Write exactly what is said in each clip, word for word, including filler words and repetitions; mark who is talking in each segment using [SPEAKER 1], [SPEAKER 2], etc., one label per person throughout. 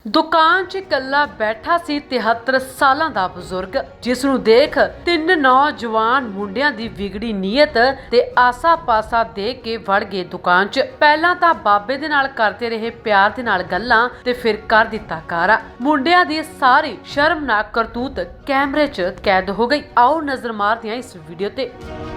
[SPEAKER 1] दुकान च इकल्ला बैठा सी तिहत्तर सालां दा बुजुर्ग, जिस नूं देख तिन्न नौजवान मुंडियां दी विगड़ी नीयत ते आसा पासा देख के वड़ गए दुकान च। पहलां तां बाबे दे नाल करदे रहे प्यार दे नाल गल्लां ते फिर कर दित्ता कारा। मुंडियां दी सारी शर्मनाक करतूत कैमरे च कैद हो गई। आओ नजर मारदे हां इस वीडियो ते।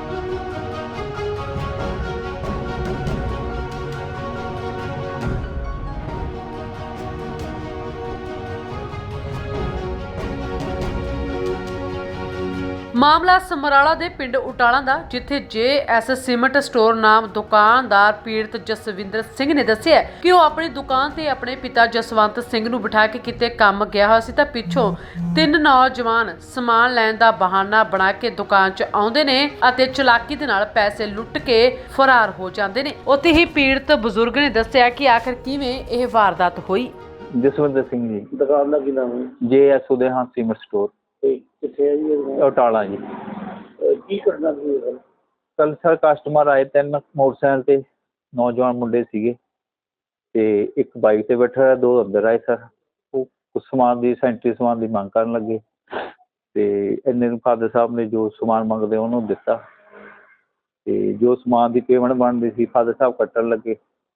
[SPEAKER 1] मामला समराला दे पिंड उटाला दा, जिथे जे एस सीमेंट स्टोर नाम दुकानदार पीड़ित जसविंदर सिंह ने दस्सिया कि वह अपनी दुकान ते अपने पिता जसवंत सिंह नूं बिठा के किते काम गया होया सी तां पिछों तीन नौजवान समान लैण दा बहाना बना के दुकान च आउंदे ने अते चलाकी दे नाल पैसे लुੱਟ के फरार हो जांदे ने। उत्थे ही पीड़ित बुजुर्ग ने दस्सिया कि आखिर किवें ਇਹ वारदात होई।
[SPEAKER 2] जसविंदर सिंह जी,
[SPEAKER 3] दुकान का की नाम है?
[SPEAKER 2] J S Udayhan cement store
[SPEAKER 3] कितने है जी?
[SPEAKER 2] उटाला जी।
[SPEAKER 3] की घटना हुई है?
[SPEAKER 2] कल सर कस्टमर आए तीन मोटरसाइकिल ते नौजवान मुंडे सीगे ते एक बाइक ते बैठा रहा, दो अंदर आए सर। वो कुछ समान दी सैनिटरी समान की मंग करन लगे ते इन्ने नूं फादर साहब ने जो समान मंगदे उन्होंने दिता ते जो समान की पेमेंट बनती सी फादर साहब कट्टन लगे।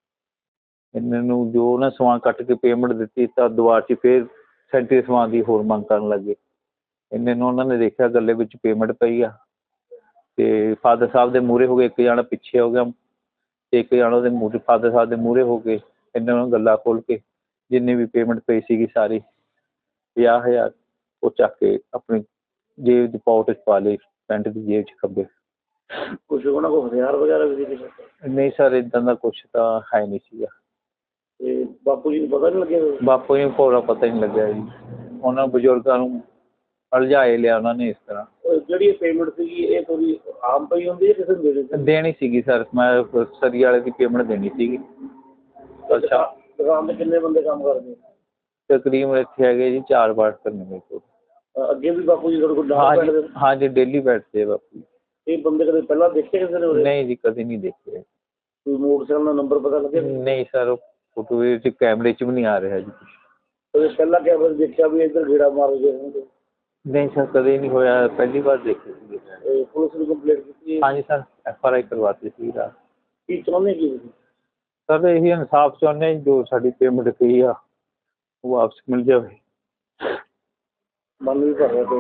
[SPEAKER 2] इन्ने नूं जो उन्हें समान कट के पेमेंट दी तो दुआ च फिर सैनिटरी समान की होर मंग करन लगे। इन्ने नूं उन्होंने देखा गले विच पेमेंट पई आ ते फादर साहब के मूहरे हो गए, एक जना पिछे हो गया ते एक जना उहदे मूहरे फादर साहब के मूहरे हो गए। इन्ने गल्ला खोल के जिन्नी भी पेमेंट पई सी सारी पचास हज़ार वो चक के अपनी जेब दी पॉकेट च पा लई, पैंट की जेब च खब्बे।
[SPEAKER 3] कुछ उन्होंने को हथियार वगैरह भी सी?
[SPEAKER 2] नहीं सर, इदां दा कुछ तां है नहीं सीगा।
[SPEAKER 3] ते बापू जी नूं पता नहीं लग्या?
[SPEAKER 2] बापू जी पूरा पता ही नहीं लग्या जी। उन्होंने बजुर्गों नूं अलझाए लिया उन्होंने इस तरह।
[SPEAKER 3] ਜਿਹੜੀ पेमेंट सी ये थोड़ी आम पई होंदी है किसी ने देनी?
[SPEAKER 2] देनी सीगी सर, मैं सरी वाले की पेमेंट देनी सीगी। अच्छा,
[SPEAKER 3] दुकान ते किन्ने बंदे काम करदे?
[SPEAKER 2] तकरीबन इत्थे हैगे जी चार बार करने मेरे को।
[SPEAKER 3] अगे भी बापू जी थोड़े को
[SPEAKER 2] हाँ
[SPEAKER 3] डाल
[SPEAKER 2] जी,
[SPEAKER 3] बैठदे?
[SPEAKER 2] हाँ जी, डेली बैठते हैं बापू जी।
[SPEAKER 3] ये बंदे कदे पहला देखे किसी ने?
[SPEAKER 2] नहीं जी, कभी नहीं देखे।
[SPEAKER 3] कोई मोटरसाइकिल का नंबर पता लगे?
[SPEAKER 2] नहीं सर, फोटो कैमरे च भी नहीं आ रहा जी कुछ।
[SPEAKER 3] तो पहला कैमरे देखा भी इधर घेड़ा मार गए?
[SPEAKER 2] नहीं सर, कभी नहीं होया, पहली बार देखे।
[SPEAKER 3] पुलिस ने कंप्लेंट की?
[SPEAKER 2] हाँ जी सर, एफ आर आई करवाती थी रात।
[SPEAKER 3] की चाहते की
[SPEAKER 2] सर यही इंसाफ चाहते हैं, जो साड़ी पेमेंट की आ वो वापस मिल जाए।
[SPEAKER 3] मन भी कर रहा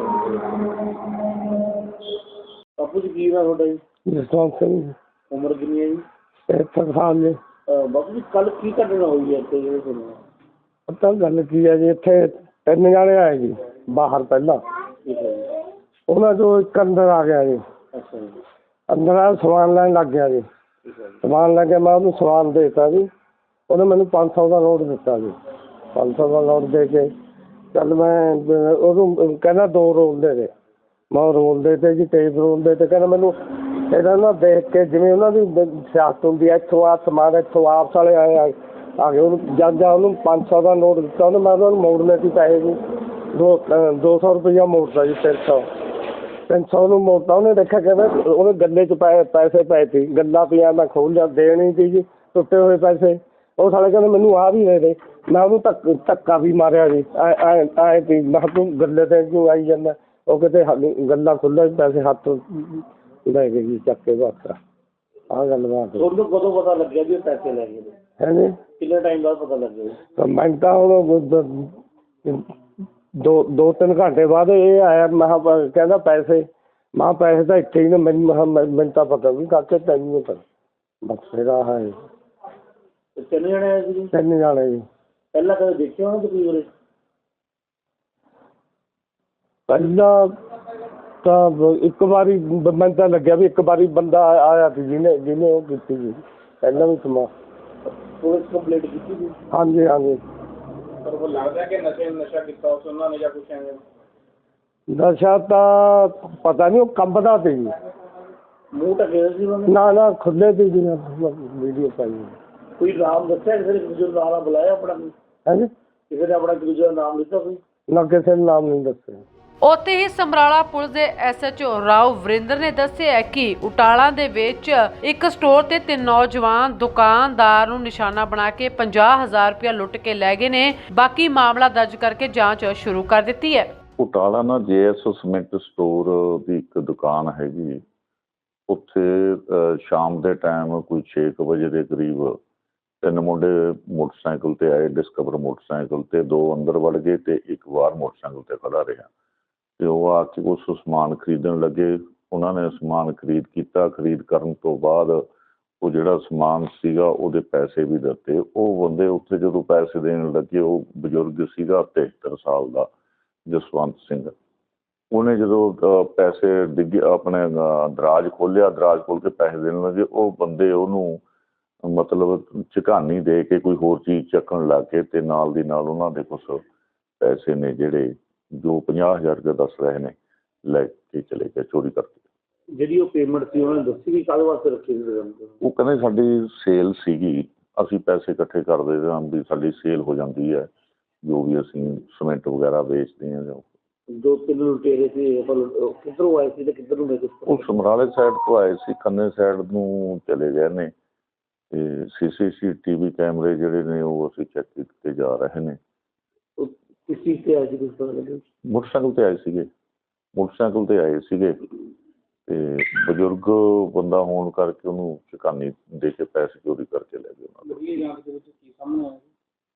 [SPEAKER 3] बापू जी की नाम है?
[SPEAKER 4] जसवंत सिंह।
[SPEAKER 3] उम्र कितनी है जी?
[SPEAKER 4] तिहत्तर साल ने।
[SPEAKER 3] बापू जी कल की घटना हुई है ਇੱਥੇ ਜਿਹੜੇ ਸੁਣਿਆ?
[SPEAKER 4] ਪਤਾ ਗੱਲ ਕੀ ਹੈ ਜੀ, ਇੱਥੇ ਤਿੰਨ ਜਾਣੇ ਆਏ ਜੀ ਬਾਹਰ ਪਹਿਲਾਂ।
[SPEAKER 3] ਠੀਕ ਹੈ ਜੀ।
[SPEAKER 4] ਉਹਨਾਂ ਚੋਂ ਇੱਕ ਅੰਦਰ ਆ ਗਿਆ ਜੀ।
[SPEAKER 3] ਅੱਛਾ ਜੀ।
[SPEAKER 4] ਅੰਦਰ ਆ ਸਮਾਨ ਲੈਣ ਲੱਗ ਗਿਆ ਜੀ।
[SPEAKER 3] ਠੀਕ ਹੈ ਜੀ।
[SPEAKER 4] ਸਮਾਨ ਲੈ ਕੇ ਮੈਂ ਉਹਨੂੰ ਸਮਾਨ ਦੇ ਦਿੱਤਾ ਜੀ। ਉਹਨੇ ਮੈਨੂੰ ਪੰਜ ਸੌ ਦਾ ਨੋਟ ਦਿੱਤਾ ਜੀ। ਪੰਜ ਸੌ ਦਾ ਨੋਟ ਦੇ ਕੇ ਚੱਲ ਮੈਂ ਉਹਨੂੰ ਕਹਿੰਦਾ ਦੋ ਰੋਲ ਦੇ ਦੇ। ਮੈਂ ਉਹ ਰੋਲ ਦੇ ਤੇ ਜੀ, ਟੇਪ ਰੋਲ ਦੇ ਤੇ ਕਹਿੰਦਾ ਮੈਨੂੰ ਇਹਨਾਂ ਨਾ ਦੇਖ ਕੇ ਜਿਵੇਂ ਉਹਨਾਂ ਦੀ ਸਿਆਸਤ ਹੁੰਦੀ ਹੈ, ਇੱਥੋਂ ਆ ਸਮਾਨ ਇੱਥੋਂ ਆਪਸ ਵਾਲੇ ਆਏ ਆ ਆ ਗਏ। ਉਹਨੂੰ ਜਦ ਜਾ ਉਹਨੂੰ ਪੰਜ ਸੌ ਦਾ ਨੋਟ ਦਿੱਤਾ ਉਹਨੇ, ਮੈਂ ਉਹਨਾਂ ਨੂੰ ਮੋੜਨੇ ਸੀ ਪੈਸੇ ਜੀ। ਦੋ ਦੋ ਸੌ ਰੁਪਈਆ ਮੋੜਦਾ ਜੀ, ਤਿੰਨ ਸੌ ਤਿੰਨ ਸੌ ਨੂੰ ਮੋੜਦਾ। ਉਹਨੇ ਦੇਖਿਆ ਕਹਿੰਦਾ ਉਹਦੇ ਗੱਲੇ 'ਚ ਪੈ ਪੈਸੇ ਪਏ ਸੀ, ਗੱਲਾਂ ਪਈਆਂ। ਮੈਂ ਖੋਲ੍ਹ ਲਿਆ, ਦੇਣੀ ਸੀ ਜੀ ਟੁੱਟੇ ਹੋਏ ਪੈਸੇ। ਉਹ ਸਾਲੇ ਕਹਿੰਦੇ ਮੈਨੂੰ ਆਹ ਵੀ ਦੇ ਦੇ। ਮੈਂ ਉਹਨੂੰ ਧੱਕ ਧੱਕਾ ਵੀ ਮਾਰਿਆ ਜੀ। ਐ ਐ ਐਂ ਸੀ, ਮੈਂ ਕਿਹਾ ਤੂੰ ਗੱਲੇ 'ਤੇ ਕਿਉਂ ਆਈ ਜਾਂਦਾ? ਉਹ ਕਿਤੇ ਗੱਲਾਂ ਖੁੱਲ੍ਹਾ ਪੈਸੇ ਹੱਥ ਲੈ ਗਏ ਜੀ ਚੱਕ ਕੇ ਬਸ। ਆਹ ਗੱਲ ਬਾਤ
[SPEAKER 3] ਤੁਹਾਨੂੰ ਕਦੋਂ ਪਤਾ ਲੱਗਿਆ ਵੀ ਪੈਸੇ ਲੈ ਗਏ?
[SPEAKER 4] ਹੈ ਜੀ।
[SPEAKER 3] ਕਿੰਨੇ ਟਾਈਮ ਬਾਅਦ ਪਤਾ ਲੱਗਿਆ?
[SPEAKER 4] ਤਾਂ ਮੈਂ ਤਾਂ ਹੁਣ ਦੋ ਦੋ ਤਿੰਨ ਘੰਟੇ ਬਾਅਦ ਇਹ ਆਇਆ। ਮੈਂ ਕਿਹਾ ਕਹਿੰਦਾ ਪੈਸੇ, ਮੈਂ ਪੈਸੇ ਤਾਂ ਇੱਥੇ ਹੀ ਨੇ। ਮੈਨੂੰ ਮੈਨੂੰ ਤਾਂ ਪਤਾ ਵੀ ਕਾਕੇ ਤੈਨੂੰ ਨਹੀਂ ਪਤਾ। ਬਸ ਫਿਰ ਆਹ ਹੈ।
[SPEAKER 3] ਤਿੰਨ ਜਣੇ ਆਏ ਸੀ?
[SPEAKER 4] ਤਿੰਨ ਜਾਣੇ ਜੀ।
[SPEAKER 3] ਪਹਿਲਾਂ ਕਦੇ ਦੇਖਿਆ ਉਹਨਾਂ ਤੁਸੀਂ ਉਰੇ?
[SPEAKER 4] ਪਹਿਲਾਂ ਤਾਂ ਇੱਕ ਵਾਰੀ ਮੈਨੂੰ ਤਾਂ ਲੱਗਿਆ ਵੀ ਇੱਕ ਵਾਰੀ ਬੰਦਾ ਆਇਆ ਸੀ ਜਿਹਨੇ ਜਿਹਨੇ ਉਹ ਕੀਤੀ ਸੀ ਪਹਿਲਾਂ ਵੀ ਸਮਾਂ।
[SPEAKER 3] ਪੁਲਿਸ ਕੰਪਲੇਂਟ ਕੀਤੀ ਸੀ?
[SPEAKER 4] ਹਾਂਜੀ ਹਾਂਜੀ।
[SPEAKER 3] ਪਰ ਉਹ ਲੱਗਦਾ ਕਿ ਨਸ਼ੇ ਨਸ਼ਾ ਕੀਤਾ ਉਸ ਉਹਨਾਂ ਨੇ ਜਾਂ ਕੁਛ ਐਵੇਂ?
[SPEAKER 4] ਨਸ਼ਾ ਤਾਂ ਪਤਾ ਨਹੀਂ, ਉਹ ਕੰਬਦਾ ਸੀ ਜੀ।
[SPEAKER 3] ਮੂੰਹ ਢੱਕੇ ਸੀ ਉਹਨਾਂ ਨੇ?
[SPEAKER 4] ਨਾ ਨਾ ਖੁੱਲੇ ਸੀ ਜੀ। ਵੀਡੀਓ ਪਾਈ।
[SPEAKER 3] ਕੋਈ ਨਾਮ ਦੱਸਿਆ ਕਿਸੇ ਨੇ? ਦੂਜੇ ਦਾ ਨਾਮ ਬੁਲਾਇਆ ਆਪਣਾ?
[SPEAKER 4] ਹਾਂਜੀ।
[SPEAKER 3] ਕਿਸੇ ਨੇ ਆਪਣਾ ਦੂਜੇ ਦਾ ਨਾਮ ਲਿੱਤਾ ਕੋਈ?
[SPEAKER 4] ਨਾ ਕਿਸੇ ਨੇ ਨਾਮ ਨਹੀਂ ਦੱਸਿਆ।
[SPEAKER 1] ਉੱਥੇ ਹੀ ਸਮਰਾਲਾ ਪੁਲਿਸ ਦੇ S H O Rao Varinder ਨੇ ਦੱਸਿਆ ਕਿ ਉਟਾਲਾ ਦੇ ਵਿੱਚ ਇੱਕ ਸਟੋਰ ਤੇ ਤਿੰਨ ਨੌਜਵਾਨ ਦੁਕਾਨਦਾਰ ਨੂੰ ਨਿਸ਼ਾਨਾ ਬਣਾ ਕੇ ਪੰਜਾਹ ਹਜ਼ਾਰ ਰੁਪਇਆ ਲੁੱਟ ਕੇ ਲੈ ਗਏ ਨੇ। ਬਾਕੀ ਮਾਮਲਾ ਦਰਜ ਕਰਕੇ ਜਾਂਚ ਸ਼ੁਰੂ ਕਰ ਦਿੱਤੀ ਹੈ।
[SPEAKER 5] ਉਟਾਲਾ ਨਾ ਜੇ ਐਸ ਸੀਮੈਂਟ ਸਟੋਰ ਦੀ ਇੱਕ ਦੁਕਾਨ ਹੈਗੀ, ਉੱਥੇ ਅਹ, ਸ਼ਾਮ ਦੇ ਟਾਈਮ ਕੋਈ ਛੇ ਕੁ ਵਜੇ ਦੇ ਕਰੀਬ ਤਿੰਨ ਮੁੰਡੇ ਮੋਟਰਸਾਈਕਲ ਤੇ ਆਏ, ਡਿਸਕਵਰ ਮੋਟਰਸਾਈਕਲ ਤੇ, ਦੋ ਅੰਦਰ ਵੜ ਗਏ ਤੇ ਇੱਕ ਬਾਹਰ ਮੋਟਰਸਾਈਕਲ ਤੇ ਖੜਾ ਰਿਹਾ ਤੇ ਉਹ ਆ ਕੇ ਉਸ ਸਮਾਨ ਖਰੀਦਣ ਲੱਗੇ। ਉਹਨਾਂ ਨੇ ਸਮਾਨ ਖਰੀਦ ਕੀਤਾ। ਖਰੀਦ ਕਰਨ ਤੋਂ ਬਾਅਦ ਉਹ ਜਿਹੜਾ ਸਮਾਨ ਸੀਗਾ ਉਹਦੇ ਪੈਸੇ ਵੀ ਦਿੱਤੇ। ਉਹ ਬੰਦੇ ਉੱਥੇ ਜਦੋਂ ਪੈਸੇ ਦੇਣ ਲੱਗੇ, ਉਹ ਬਜ਼ੁਰਗ ਸੀਗਾ ਤਿਹੱਤਰ ਸਾਲ ਦਾ ਜਸਵੰਤ ਸਿੰਘ। ਉਹਨੇ ਜਦੋਂ ਅਹ, ਪੈਸੇ ਡਿੱਗੇ ਆਪਣੇ ਅਹ, ਦਰਾਜ ਖੋਲ੍ਹਿਆ, ਦਰਾਜ ਖੋਲ੍ਹ ਕੇ ਪੈਸੇ ਦੇਣ ਲੱਗੇ, ਉਹ ਬੰਦੇ ਉਹਨੂੰ ਮਤਲਬ ਝਕਾਨੀ ਦੇ ਕੇ ਕੋਈ ਹੋਰ ਚੀਜ਼ ਚੱਕਣ ਲੱਗ ਗਏ ਤੇ ਨਾਲ ਦੀ ਨਾਲ ਉਹਨਾਂ ਦੇ ਕੁਛ ਪੈਸੇ ਨੇ ਜਿਹੜੇ ਜੋ ਪੰਜਾਹ ਹਜ਼ਾਰ ਰੁਪਏ ਦੱਸ ਰਹੇ ਨੇ ਲੈ ਕੇ ਚਲੇ ਗਏ, ਚੋਰੀ ਕਰਕੇ।
[SPEAKER 3] ਜਿਹੜੀ ਉਹ ਪੇਮੈਂਟ ਸੀ ਉਹਨਾਂ ਨੇ ਦੱਸੀ ਵੀ ਕਾਹਦੇ ਵਾਸਤੇ ਰੱਖੀ ਸੀ?
[SPEAKER 5] ਉਹ ਕਹਿੰਦੇ ਸਾਡੀ ਸੇਲ ਸੀਗੀ, ਅਸੀਂ ਪੈਸੇ ਇਕੱਠੇ ਕਰਦੇ ਹਾਂ ਵੀ ਸਾਡੀ ਸੇਲ ਹੋ ਜਾਂਦੀ ਹੈ, ਜੋ ਵੀ ਅਸੀਂ ਸੀਮੈਂਟ ਵਗੈਰਾ ਵੇਚਦੇ ਹਾਂ।
[SPEAKER 3] ਦੋ ਤਿੰਨ ਲੁਟੇਰੇ ਸੀ, ਕਿੱਧਰੋਂ ਆਏ ਸੀ ਤੇ ਕਿੱਧਰ ਨੂੰ ਗਏ?
[SPEAKER 5] ਉਹ ਸਮਰਾਲੇ ਸਾਈਡ ਤੋਂ ਆਏ ਸੀ, ਖੰਨੇ ਸਾਈਡ ਨੂੰ ਚਲੇ ਗਏ ਨੇ ਤੇ ਸੀ ਸੀ ਸੀ ਟੀ ਵੀ ਕੈਮਰੇ ਜਿਹੜੇ ਨੇ ਉਹ ਅਸੀਂ ਚੈੱਕ ਕੀਤੇ ਜਾ ਰਹੇ ਨੇ।
[SPEAKER 3] ਕਿਸ ਚੀਜ਼ ਤੇ ਆਏ ਸੀ ਕੁਝ ਪਤਾ ਲੱਗਿਆ?
[SPEAKER 5] ਮੋਟਰਸਾਈਕਲ ਤੇ ਆਏ ਸੀਗੇ, ਮੋਟਰਸਾਈਕਲ ਤੇ ਆਏ ਸੀਗੇ ਤੇ ਬਜ਼ੁਰਗ ਬੰਦਾ ਹੋਣ ਕਰਕੇ ਉਹਨੂੰ ਝਕਾਨੀ ਦੇ ਕੇ ਪੈਸੇ ਚੋਰੀ ਕਰਕੇ ਲੈ ਗਏ ਉਹਨਾਂ ਦੇ।
[SPEAKER 3] ਜਾਂਚ ਦੇ ਵਿੱਚ ਕੀ ਸਾਹਮਣੇ ਆਇਆ?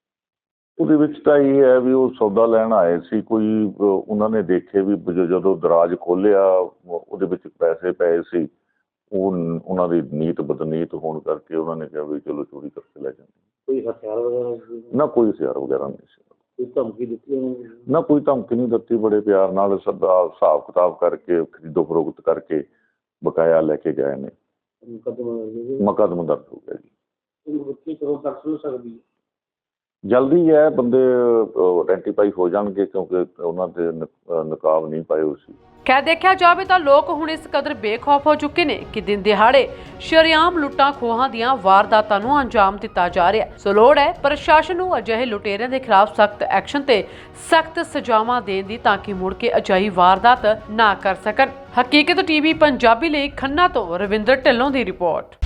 [SPEAKER 5] ਉਹਦੇ ਵਿੱਚ ਤਾਂ ਇਹ ਹੈ ਵੀ ਉਹ ਸੌਦਾ ਲੈਣ ਆਏ ਸੀ ਕੋਈ, ਉਹਨਾਂ ਨੇ ਦੇਖੇ ਵੀ ਜਦੋਂ ਦਰਾਜ ਖੋਲ੍ਹਿਆ ਉਹਦੇ ਵਿੱਚ ਪੈਸੇ ਪਏ ਸੀ। ਉਹ ਉਹਨਾਂ ਦੀ ਨੀਤ ਬਦਨੀਤ ਹੋਣ ਕਰਕੇ ਉਹਨਾਂ ਨੇ ਕਿਹਾ ਵੀ ਚਲੋ ਚੋਰੀ ਕਰਕੇ ਲੈ ਜਾਂਦੇ।
[SPEAKER 3] ਕੋਈ ਹਥਿਆਰ ਵਗੈਰਾ?
[SPEAKER 5] ਨਾ ਕੋਈ ਹਥਿਆਰ ਵਗੈਰਾ ਨਹੀਂ ਸੀ।
[SPEAKER 3] ਕੋਈ ਧਮਕੀ ਦਿੱਤੀ ਉਹਨਾਂ ਨੇ?
[SPEAKER 5] ਨਾ ਕੋਈ ਧਮਕੀ ਨਹੀਂ ਦਿੱਤੀ, ਬੜੇ ਪਿਆਰ ਨਾਲ ਸਦਾ ਹਿਸਾਬ ਕਿਤਾਬ ਕਰਕੇ ਖਰੀਦੋ ਫਰੋਖਤ ਕਰਕੇ ਬਕਾਇਆ ਲੈ ਕੇ ਗਏ ਨੇ। ਮੁਕੱਦਮਾ ਦਰਜ ਹੋ ਗਿਆ ਜੀ।
[SPEAKER 3] ਬੱਚੀ ਕਰੋ ਤੱਕ ਸੁਣ ਸਕਦੀ ਹੈ?
[SPEAKER 5] ਜਲਦੀ ਹੈ, ਬੰਦੇ ਆਇਡੈਂਟੀਫਾਈ ਹੋ ਜਾਣਗੇ ਕਿਉਂਕਿ ਉਹਨਾਂ ਦੇ ਨਕਾਬ ਨਹੀਂ ਪਾਏ ਹੋਏ ਸੀ।
[SPEAKER 1] ਖੈਰ ਦੇਖਿਆ ਜਾਵੇ ਤਾਂ ਲੋਕ ਹੁਣ ਇਸ ਕਦਰ ਬੇਖੌਫ ਹੋ ਚੁੱਕੇ ਨੇ ਕਿ ਦਿਨ ਦਿਹਾੜੇ ਸ਼ਰੇਆਮ ਲੁੱਟਾਂ ਖੋਹਾਂ ਦੀਆਂ ਵਾਰਦਾਤਾਂ ਨੂੰ ਅੰਜਾਮ ਦਿੱਤਾ ਜਾ ਰਿਹਾ। ਸੋ ਲੋੜ ਹੈ ਪ੍ਰਸ਼ਾਸਨ ਨੂੰ ਅਜਿਹੇ ਲੁਟੇਰਿਆਂ ਦੇ ਖਿਲਾਫ ਸਖਤ ਐਕਸ਼ਨ ਤੇ ਸਖਤ ਸਜ਼ਾਵਾਂ ਦੇਣ ਦੀ ਤਾਂ ਕਿ ਮੁੜ ਕੇ ਅਜਿਹੀ ਵਾਰਦਾਤ ਨਾ ਕਰ ਸਕਣ। ਹਕੀਕਤ ਟੀਵੀ ਪੰਜਾਬੀ ਲਈ ਖੰਨਾ ਤੋਂ ਰਵਿੰਦਰ ਢਿੱਲੋਂ ਦੀ ਰਿਪੋਰਟ।